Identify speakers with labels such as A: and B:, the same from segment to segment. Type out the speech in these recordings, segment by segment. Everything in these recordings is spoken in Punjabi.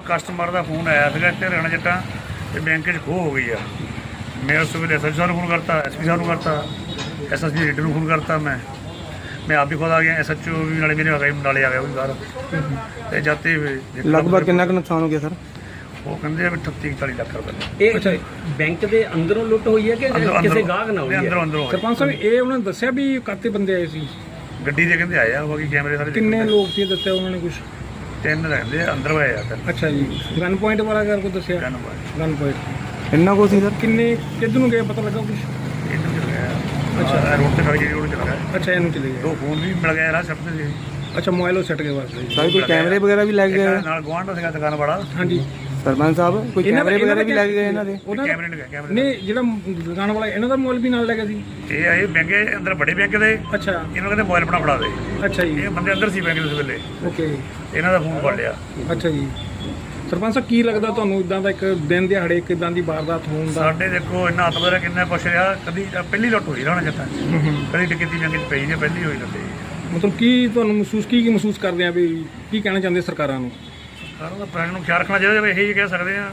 A: ਕਸਟਮਰ ਦਾ ਫੋਨ ਆਇਆ ਸੀਗਾ ਇੱਥੇ ਹਰਿਆਣਾ ਜੱਟਾਂ ਤੇ ਬੈਂਕ 'ਚ ਖੋਹ ਹੋ ਗਈ ਆ। ਮੈਂ ਉਸ ਵੇਲੇ SHO ਨੂੰ ਫੋਨ ਕਰਤਾ, SP ਸਾਹਿਬ ਨੂੰ ਕਰਤਾ, SSP ਲੀਡਰ ਨੂੰ ਫੋਨ ਕਰਤਾ। ਮੈਂ ਆਪ ਵੀ ਖੁਦ ਆ ਗਿਆ, SHO ਵੀ ਨਾਲੇ ਮੇਰੇ ਆ ਗਏ, ਨਾਲੇ ਆ ਗਿਆ ਉਹ ਵੀ ਬਾਹਰ। ਤੇ ਜਾਤੇ
B: ਲਗਭਗ ਕਿੰਨਾ ਕੁ ਨੁਕਸਾਨ ਹੋ ਗਿਆ ਸਰ?
A: ਉਹ ਕਹਿੰਦੇ ਆ ਵੀ 38-40 ਲੱਖ ਰੁਪਏ।
C: ਇਹ ਅੱਛਾ ਬੈਂਕ ਦੇ ਅੰਦਰੋਂ ਲੁੱਟ ਹੋਈ ਹੈ ਕਿ ਕਿਸੇ ਗਾਹਕ ਨਾਲ ਹੋਈ ਹੈ?
A: ਅੰਦਰੋਂ
D: ਸਰਪੰਚ ਸਾਹਿਬ ਇਹ ਉਹਨਾਂ ਨੇ ਦੱਸਿਆ ਵੀ ਕਾਤੇ ਬੰਦੇ ਆਏ ਸੀ?
A: ਗੱਡੀ ਦੇ ਕਹਿੰਦੇ ਆਏ ਆ, ਬਾਕੀ ਕੈਮਰੇ ਸਾਰੇ
D: ਕਿੰਨੇ ਲੋਕ ਸੀ ਦੱਸਿਆ ਉਹਨਾਂ ਨੇ ਕੁਝ?
A: 3 ਰਹਿੰਦੇ ਆ, ਅੰਦਰ ਆਏ ਆ 3।
D: ਅੱਛਾ ਜੀ, ਗਨ ਪੁਆਇੰਟ ਵਾਲਾ ਗੱਲ ਕੋ ਦੱਸਿਆ? ਗਨ ਪੁਆਇੰਟ
B: ਇੰਨਾ ਕੁ ਸੀ ਸਰ?
D: ਕਿੰਨੇ ਕਿੱਧਰ ਨੂੰ ਗਏ ਪਤਾ ਲੱਗਾ ਕੁਝ?
A: ਇਹਨੂੰ ਚਲ ਗਿਆ। ਅੱਛਾ ਰੋਡ ਤੇ ਖੜ ਕੇ ਰੋਡ ਚਲ ਗਿਆ।
D: ਅੱਛਾ ਇਹਨੂੰ ਚਲੇ ਗਏ।
A: 2 ਫੋਨ ਵੀ ਮਿਲ ਗਏ ਰਾਹ ਸੱਟ ਤੇ ਸੀ।
D: ਅੱਛਾ ਮੋਬਾਈਲ ਉਹ ਸੱਟ ਗਏ ਵਾਸਤੇ
B: ਸਰ ਕੋਈ ਕੈਮਰੇ ਵਗੈਰਾ ਵੀ ਲੱਗ ਗਏ?
A: ਨਾਲ ਗੁਆਂਢ ਦਾ ਸੀਗਾ ਦੁਕਾਨ ਵਾਲਾ।
D: ਹਾਂਜੀ
B: ਸਰਪੰਚ ਸਾਹਿਬ ਕੋਈ ਕੈਮਰੇ ਵਗੈਰਾ ਵੀ ਲੱਗ ਗਏ ਇਹਨਾਂ ਦੇ?
A: ਕੈਮਰੇ ਨਹੀਂ ਕੈਮਰੇ
D: ਨਹੀਂ, ਜਿਹੜਾ ਦੁਕਾਨ ਵਾਲਾ ਇਹਨਾਂ ਦਾ ਮੋਬਾਈਲ ਵੀ ਨਾਲ ਲੈ ਗਿਆ ਸੀ?
A: ਇਹ ਆਏ ਬੈਂਕ ਅੰਦਰ ਵੱਡੇ ਬੈਂਕ ਦੇ।
D: ਅੱਛਾ
A: ਇਹਨਾਂ ਕਹਿੰਦੇ ਮੋਬਾਈਲ ਆਪਣਾ ਫੜਾ ਦੇ।
D: ਅੱਛਾ ਜੀ,
A: ਇਹ ਬੰਦੇ ਅੰਦਰ ਸੀ ਬੈਂਕ ਦੇ ਉਸ ਵੇਲੇ।
D: ਓਕੇ।
A: ਇਹਨਾਂ ਦਾ ਫੋਨ ਫੜ ਲਿਆ।
D: ਅੱਛਾ ਜੀ, ਸਰਪੰਚ ਸਾਹਿਬ ਕੀ ਲੱਗਦਾ ਤੁਹਾਨੂੰ ਇਦਾਂ ਦਾ ਇੱਕ ਦਿਨ ਦਿਹਾੜੇ ਇੱਕ ਇਦਾਂ ਦੀ ਵਾਰਦਾਤ ਹੋਣ ਦਾ?
A: ਸਾਡੇ ਦੇਖੋ ਇੰਨਾ ਹੱਥ ਵਰਾ ਕਿੰਨਾ ਕੁਛ ਰਿਹਾ। ਕਦੀ ਪਹਿਲੀ ਲੁੱਟ ਹੋਈ ਰਹਿਣਾ ਜੱਟਾਂ ਕਦੀ ਟਿਕਤੀ ਬੈਂਕ 'ਚ ਪਈ ਜੇ, ਪਹਿਲੀ ਹੋਈ ਲੱਗੀ।
D: ਮਤਲਬ ਕੀ ਤੁਹਾਨੂੰ ਮਹਿਸੂਸ ਕੀ ਕਰਦੇ ਆ ਵੀ ਕੀ ਕਹਿਣਾ ਚਾਹੁੰਦੇ ਸਰਕਾਰਾਂ ਨੂੰ?
A: ਸਾਰਿਆਂ ਦਾ ਪੈਸੇ ਨੂੰ ਖਿਆਲ ਰੱਖਣਾ ਚਾਹੀਦਾ। ਇਹੀ ਕਹਿ ਸਕਦੇ ਆ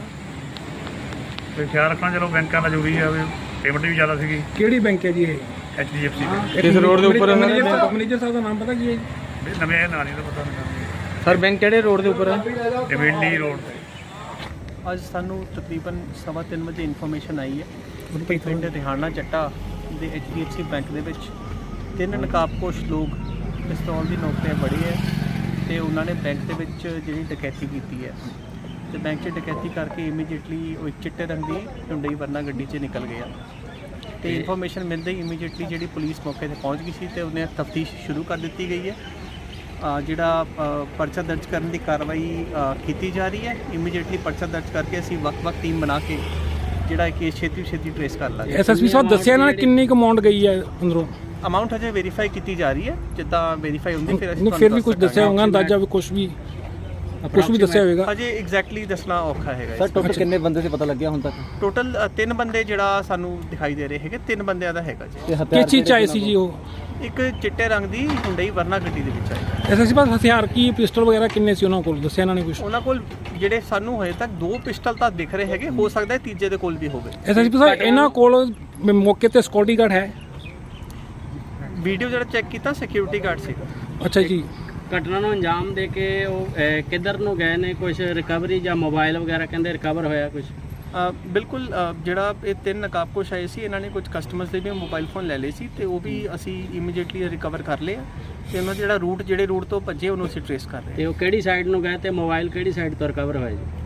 A: ਵੀ ਖਿਆਲ ਰੱਖਣਾ। ਚਲੋ ਬੈਂਕਾਂ ਦਾ ਜ਼ਰੂਰੀ ਆ, ਵੀ ਪੇਮੈਂਟ ਵੀ ਜ਼ਿਆਦਾ ਸੀਗੀ।
D: ਕਿਹੜੀ ਬੈਂਕ ਹੈ ਜੀ ਇਹ?
A: HDFC
B: ਕਿਸ ਰੋਡ ਦੇ ਉੱਪਰ?
D: ਮੈਨੇਜਰ ਸਾਹਿਬ ਦਾ ਨਾਮ ਪਤਾ ਕੀ ਹੈ ਜੀ?
A: ਵੀ ਨਵੇਂ ਨਾਂ ਨਹੀਂ ਤਾਂ ਪਤਾ ਨਹੀਂ।
B: ਸਰ ਬੈਂਕ ਕਿਹੜੇ ਰੋਡ ਦੇ ਉੱਪਰ ਹੈ?
A: ਡਿਵੈਂਡੀ ਰੋਡ ਤੇ।
E: ਅੱਜ ਸਾਨੂੰ ਤਕਰੀਬਨ 3:15 ਵਜੇ ਇਨਫੋਰਮੇਸ਼ਨ ਆਈ ਹੈ ਪਿੰਡ ਰਿਹਾਨਾ ਚੱਟਾ ਦੇ HDFC ਬੈਂਕ ਦੇ ਵਿੱਚ 3 ਨਕਾਬਪੋਸ਼ ਲੋਕ ਪਿਸਤੌਲ ਦੀ ਨੋਕ ਤੇ ਬੜੇ ਹੈ ਤੇ ਉਹਨਾਂ ਨੇ ਬੈਂਕ ਦੇ ਵਿੱਚ ਜਿਹੜੀ ਡਕੈਤੀ ਕੀਤੀ ਹੈ ਤੇ ਬੈਂਕ 'ਚ ਡਕੈਤੀ ਕਰਕੇ ਇਮੀਡੀਏਟਲੀ ਉਹ ਇੱਕ ਚਿੱਟੇ ਰੰਗ ਦੀ ਹੁੰਡਈ ਵਰਨਾ ਗੱਡੀ 'ਚ ਨਿਕਲ ਗਿਆ ਤੇ ਇਨਫੋਰਮੇਸ਼ਨ ਮਿਲਦੇ ਹੀ ਇਮੀਡੀਏਟਲੀ ਜਿਹੜੀ ਪੁਲਿਸ ਮੌਕੇ ਤੇ ਪਹੁੰਚ ਗਈ ਸੀ ਤੇ ਉਹਨੇ ਤਫਤੀਸ਼ ਸ਼ੁਰੂ ਕਰ ਦਿੱਤੀ ਗਈ ਹੈ। ਜਿਹੜਾ ਪਰਚਾ ਦਰਜ ਕਰਨ ਦੀ ਕਾਰਵਾਈ ਕੀਤੀ ਜਾ ਰਹੀ ਹੈ। ਇਮੀਡੀਏਟਲੀ ਪਰਚਾ ਦਰਜ ਕਰਕੇ ਅਸੀਂ ਵੱਖ-ਵੱਖ ਟੀਮ ਬਣਾ ਕੇ ਜਿਹੜਾ ਕੇਸ ਛੇਤੀ ਟ੍ਰੇਸ ਕਰ ਲਾਂਗੇ।
D: SSP ਸਾਹਿਬ ਦੱਸਿਆ ਇਹਨਾਂ ਨੇ ਕਿੰਨੀ ਕੁ ਅਮਾਉਂਟ ਗਈ ਹੈ ਅੰਦਰੋਂ?
E: ਅਮਾਉਂਟ ਹਜੇ ਵੈਰੀਫਾਈ ਕੀਤੀ ਜਾ ਰਹੀ ਹੈ। ਜਿੱਦਾਂ ਵੈਰੀਫਾਈ ਹੁੰਦੀ ਫਿਰ ਅਸੀਂ
D: ਫਿਰ ਵੀ ਕੁਝ ਦੱਸਿਆ ਹੋਊਗਾ ਅੰਦਾਜ਼ਾ ਵੀ ਕੁਝ ਵੀ ਦੱਸਿਆ ਹੋਵੇਗਾ?
E: ਹਜੇ ਐਗਜ਼ੈਕਟਲੀ ਦੱਸਣਾ ਔਖਾ ਹੈਗਾ।
B: ਸਰ ਟੋਟਲ ਕਿੰਨੇ ਬੰਦੇ ਸੀ ਪਤਾ ਲੱਗਿਆ ਹੁਣ ਤੱਕ?
E: ਟੋਟਲ 3 ਬੰਦੇ ਜਿਹੜਾ ਸਾਨੂੰ ਦਿਖਾਈ ਦੇ ਰਹੇ ਹੈਗੇ। 3 ਬੰਦਿਆਂ ਦਾ ਹੈਗਾ ਜੀ।
D: ਕਿਸ ਚੀਜ਼ 'ਚ ਆਏ ਸੀ ਜੀ ਉਹ?
E: ਇੱਕ ਚਿੱਟੇ ਰੰਗ ਦੀ ਹੁੰਡਈ ਵਰਨਾ ਗੱਡੀ ਦੇ ਵਿੱਚ ਆਈ।
D: SSP ਸਾਹਿਬ ਹਥਿਆਰ ਕੀ ਪਿਸਟਲ ਵਗੈਰਾ ਕਿੰਨੇ ਸੀ ਉਹਨਾਂ ਕੋਲ? ਦੱਸਿਆ ਇਹਨਾਂ ਨੇ ਕੁਝ?
E: ਉਹਨਾਂ ਕੋਲ ਜਿਹੜੇ ਸਾਨੂੰ ਹਜੇ ਤੱਕ 2 ਪਿਸਟਲ ਤਾਂ ਦਿਖ ਰਹੇ ਹੈਗੇ, ਹੋ ਸਕਦਾ ਹੈ ਤੀਜੇ ਦੇ ਕੋਲ ਵੀ ਹੋਵੇ।
D: SSP ਸਾਹਿਬ ਇਹਨਾਂ ਕੋਲ ਮੌਕੇ ਤੇ ਸਿਕਿਉਰਿਟੀ ਗਾਰਡ ਹੈ?
E: ਵੀਡੀਓ ਜਿਹੜਾ ਚੈੱਕ ਕੀਤਾ ਸਿਕਿਉਰਿਟੀ ਗਾਰਡ ਸੀਗਾ।
D: ਅੱਛਾ ਜੀ।
C: ਘਟਨਾ ਨੂੰ ਅੰਜਾਮ ਦੇ ਕੇ ਉਹ ਕਿੱਧਰ ਨੂੰ ਗਏ ਨੇ? ਕੁਝ ਰਿਕਵਰੀ ਜਾਂ ਮੋਬਾਈਲ ਵਗੈਰਾ ਕਹਿੰਦੇ ਰਿਕਵਰ ਹੋਇਆ ਕੁਝ?
E: ਬਿਲਕੁਲ। ਜਿਹੜਾ ਇਹ 3 ਨਕਾਬਪੋਸ਼ ਆਏ ਸੀ ਇਹਨਾਂ ਨੇ ਕੁਝ ਕਸਟਮਰਸ ਦੇ ਵੀ ਮੋਬਾਈਲ ਫੋਨ ਲੈ ਲਏ ਸੀ ਤੇ ਉਹ ਵੀ ਅਸੀਂ ਇਮੀਡੀਏਟਲੀ ਰਿਕਵਰ ਕਰ ਲਏ ਤੇ ਉਹਨਾਂ ਦਾ ਜਿਹੜਾ ਜਿਹੜੇ ਰੂਟ ਤੋਂ ਭੱਜੇ ਉਹਨੂੰ ਅਸੀਂ ਟ੍ਰੇਸ ਕਰ ਰਹੇ
C: ਤੇ ਉਹ ਕਿਹੜੀ ਸਾਈਡ ਨੂੰ ਗਏ ਤੇ ਮੋਬਾਈਲ ਕਿਹੜੀ ਸਾਈਡ ਤੋਂ ਰਿਕਵਰ ਹੋਇਆ ਜੀ?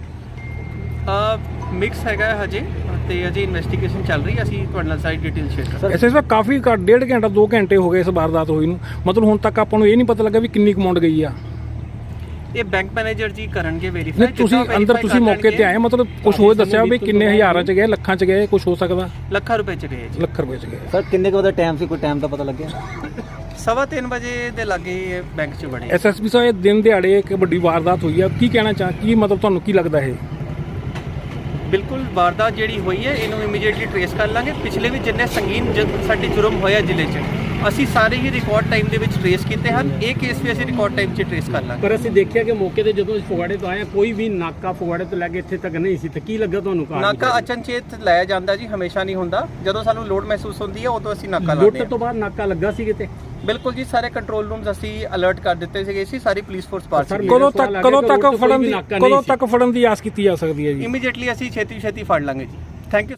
E: ਮਿਕਸ ਹੈਗਾ ਹਜੇ ਤੇ ਅਜੇ ਇਨਵੈਸਟੀਗੇਸ਼ਨ ਚੱਲ ਰਹੀ ਹੈ। ਅਸੀਂ ਤੁਹਾਡੇ ਨਾਲ ਸਾਰੀ ਡਿਟੇਲ ਸ਼ੇਅਰ ਕਰਾਂਗੇ।
D: SSP ਸਾਹਿਬ ਕਾਫੀ 1.5 ਘੰਟਾ 2 ਘੰਟੇ ਹੋ ਗਏ ਇਸ ਵਾਰਦਾਤ ਹੋਈ ਨੂੰ, ਮਤਲਬ ਹੁਣ ਤੱਕ ਆਪਾਂ ਨੂੰ ਇਹ ਨਹੀਂ ਪਤਾ ਲੱਗਾ ਵੀ ਕਿੰਨੀ ਅਮਾਉਂਟ ਗਈ ਆ।
E: ਇਹ ਬੈਂਕ ਮੈਨੇਜਰ ਜੀ ਕਰਨਗੇ ਵੈਰੀਫਾਈ।
D: ਨਹੀਂ ਤੁਸੀਂ ਅੰਦਰ ਤੁਸੀਂ ਮੌਕੇ ਤੇ ਆਏ, ਮਤਲਬ ਕੁਝ ਹੋਰ ਦੱਸਿਆ ਵੀ ਕਿੰਨੇ ਹਜ਼ਾਰਾਂ 'ਚ ਗਏ, ਲੱਖਾਂ 'ਚ ਗਏ, ਕੁਝ ਹੋ ਸਕਦਾ?
E: ਲੱਖਾਂ ਰੁਪਏ 'ਚ ਗਏ ਜੀ।
D: ਲੱਖ ਰੁਪਏ 'ਚ ਗਏ।
B: ਸਰ ਕਿੰਨੇ ਕੁ ਦਾ ਟਾਈਮ ਸੀ? ਕੋਈ ਟਾਈਮ ਦਾ ਪਤਾ ਲੱਗਿਆ?
E: 3:15 ਵਜੇ ਦੇ ਲਾਗੇ ਬੈਂਕ 'ਚ ਬਣੇ।
D: SSP ਸਾਹਿਬ ਇਹ ਦਿਨ ਦਿਹਾੜੇ ਇੱਕ ਵੱਡੀ ਵਾਰਦਾਤ ਹੋਈ ਆ, ਕੀ ਕਹਿਣਾ ਕੀ ਮਤਲਬ ਤੁਹਾਨੂੰ ਕੀ ਲੱਗਦਾ ਇਹ?
E: ਬਿਲਕੁਲ ਵਾਰਦਾਤ ਜਿਹੜੀ ਹੋਈ ਹੈ ਇਹਨੂੰ ਇਮੀਡੀਏਟਲੀ ਟ੍ਰੇਸ ਕਰ ਲਾਂਗੇ। ਪਿਛਲੇ ਵੀ ਜਿੰਨੇ ਸੰਗੀਨ ਸਾਡੇ ਜੁਰਮ ਹੋਇਆ ਜ਼ਿਲ੍ਹੇ 'ਚ ਅਸੀਂ ਸਾਰੇ ਹੀ ਰਿਕਾਰਡ ਟਾਈਮ ਦੇ ਵਿੱਚ ਟ੍ਰੇਸ ਕੀਤੇ ਹਨ। ਇਹ ਕੇਸ ਵੀ ਅਸੀਂ ਰਿਕਾਰਡ ਟਾਈਮ 'ਚ ਟ੍ਰੇਸ ਕਰ ਲਾਂਗੇ।
C: ਪਰ ਅਸੀਂ ਦੇਖਿਆ ਕਿ ਮੌਕੇ ਤੇ ਜਦੋਂ ਫਗਵਾੜੇ ਤੋਂ ਆਏ ਕੋਈ ਵੀ ਨਾਕਾ ਫਗਵਾੜੇ ਤੋਂ ਲੈ ਕੇ ਇੱਥੇ ਤੱਕ ਨਹੀਂ ਸੀ, ਤੇ ਕੀ ਲੱਗਾ ਤੁਹਾਨੂੰ?
E: ਨਾਕਾ ਅਚਨਚੇਤ ਲਾਇਆ ਜਾਂਦਾ ਜੀ, ਹਮੇਸ਼ਾ ਨਹੀਂ ਹੁੰਦਾ। ਜਦੋਂ ਸਾਨੂੰ ਲੋਡ ਮਹਿਸੂਸ ਹੁੰਦੀ ਹੈ ਉਦੋਂ ਅਸੀਂ ਨਾਕਾ ਲਾਉਂਦੇ ਹਾਂ।
C: ਲੁੱਟ ਤੋਂ ਬਾਅਦ ਨਾਕਾ ਲੱਗਾ ਸੀ ਕਿਤੇ?
E: ਬਿਲਕੁਲ ਜੀ, ਸਾਰੇ ਕੰਟਰੋਲ ਰੂਮਸ ਅਸੀਂ ਅਲਰਟ ਕਰ ਦਿੱਤੇ ਸੀਗੇ ਸੀ। ਸਾਰੀ ਪੁਲਿਸ ਫੋਰਸ ਪਾਸ ਸੀ।
D: ਕਦੋਂ ਤੱਕ ਫੜਨ ਦੀ ਆਸ ਕੀਤੀ ਜਾ ਸਕਦੀ ਹੈ ਜੀ?
E: ਇਮੀਡੀਏਟਲੀ ਅਸੀਂ ਛੇਤੀ ਫੜ ਲਾਂਗੇ ਜੀ। Thank you.